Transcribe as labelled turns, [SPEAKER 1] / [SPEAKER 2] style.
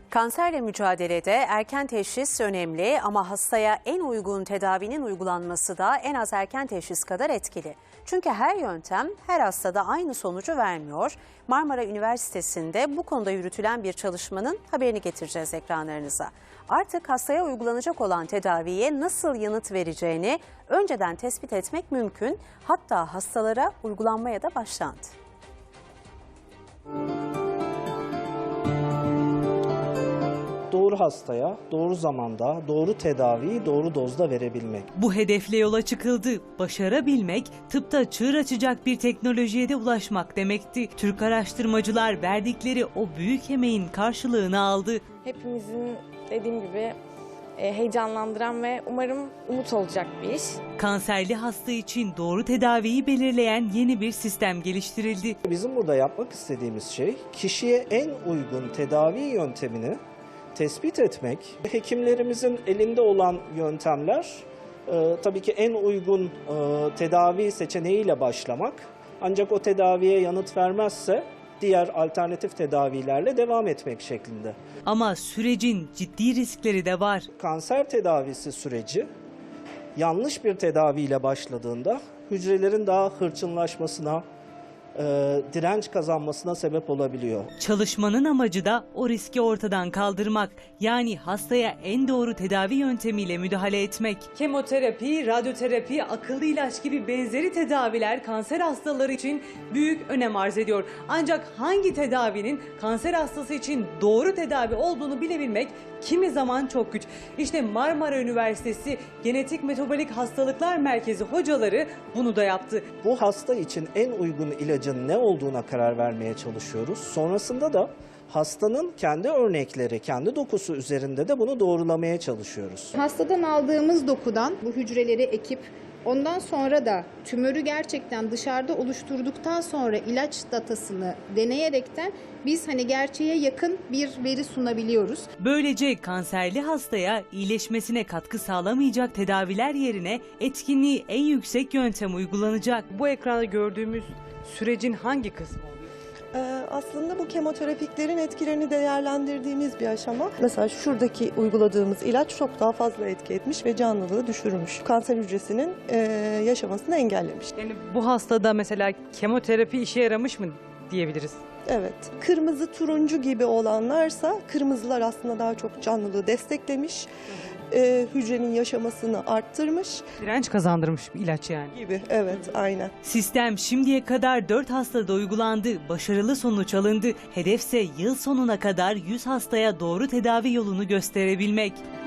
[SPEAKER 1] Kanserle mücadelede erken teşhis önemli ama hastaya en uygun tedavinin uygulanması da en az erken teşhis kadar etkili. Çünkü her yöntem her hastada aynı sonucu vermiyor. Marmara Üniversitesi'nde bu konuda yürütülen bir çalışmanın haberini getireceğiz ekranlarınıza. Artık hastaya uygulanacak olan tedaviye nasıl yanıt vereceğini önceden tespit etmek mümkün. Hatta hastalara uygulanmaya da başlandı.
[SPEAKER 2] Doğru hastaya, doğru zamanda, doğru tedaviyi doğru dozda verebilmek.
[SPEAKER 3] Bu hedefle yola çıkıldı. Başarabilmek, tıpta çığır açacak bir teknolojiye de ulaşmak demekti. Türk araştırmacılar verdikleri o büyük emeğin karşılığını aldı.
[SPEAKER 4] Hepimizin dediğim gibi heyecanlandıran ve umarım umut olacak bir iş.
[SPEAKER 3] Kanserli hasta için doğru tedaviyi belirleyen yeni bir sistem geliştirildi.
[SPEAKER 2] Bizim burada yapmak istediğimiz şey kişiye en uygun tedavi yöntemini tespit etmek. Hekimlerimizin elinde olan yöntemler tabii ki en uygun tedavi seçeneğiyle başlamak. Ancak o tedaviye yanıt vermezse diğer alternatif tedavilerle devam etmek şeklinde.
[SPEAKER 3] Ama sürecin ciddi riskleri de var.
[SPEAKER 2] Kanser tedavisi süreci yanlış bir tedaviyle başladığında hücrelerin daha hırçınlaşmasına, direnç kazanmasına sebep olabiliyor.
[SPEAKER 3] Çalışmanın amacı da o riski ortadan kaldırmak. Yani hastaya en doğru tedavi yöntemiyle müdahale etmek. Kemoterapi, radyoterapi, akıllı ilaç gibi benzeri tedaviler kanser hastaları için büyük önem arz ediyor. Ancak hangi tedavinin kanser hastası için doğru tedavi olduğunu bilebilmek kimi zaman çok güç. İşte Marmara Üniversitesi Genetik Metabolik Hastalıklar Merkezi hocaları bunu da yaptı.
[SPEAKER 2] Bu hasta için en uygun ilacın ne olduğuna karar vermeye çalışıyoruz. Sonrasında da hastanın kendi örnekleri, kendi dokusu üzerinde de bunu doğrulamaya çalışıyoruz.
[SPEAKER 5] Hastadan aldığımız dokudan bu hücreleri ekip ondan sonra da tümörü gerçekten dışarıda oluşturduktan sonra ilaç datasını deneyerekten biz gerçeğe yakın bir veri sunabiliyoruz.
[SPEAKER 3] Böylece kanserli hastaya iyileşmesine katkı sağlamayacak tedaviler yerine etkinliği en yüksek yöntem uygulanacak. Bu ekranda gördüğümüz sürecin hangi kısmı oluyor?
[SPEAKER 6] Aslında bu kemoterapiklerin etkilerini değerlendirdiğimiz bir aşama. Mesela şuradaki uyguladığımız ilaç çok daha fazla etki etmiş ve canlılığı düşürmüş. Kanser hücresinin yaşamasını engellemiş.
[SPEAKER 3] Yani bu hastada mesela kemoterapi işe yaramış mı diyebiliriz?
[SPEAKER 6] Evet. Kırmızı turuncu gibi olanlarsa kırmızılar aslında daha çok canlılığı desteklemiş. Hücrenin yaşamasını arttırmış.
[SPEAKER 3] Direnç kazandırmış bir ilaç yani.
[SPEAKER 6] Gibi. Evet, aynen.
[SPEAKER 3] Sistem şimdiye kadar 4 hastada uygulandı. Başarılı sonuç alındı. Hedefse yıl sonuna kadar 100 hastaya doğru tedavi yolunu gösterebilmek.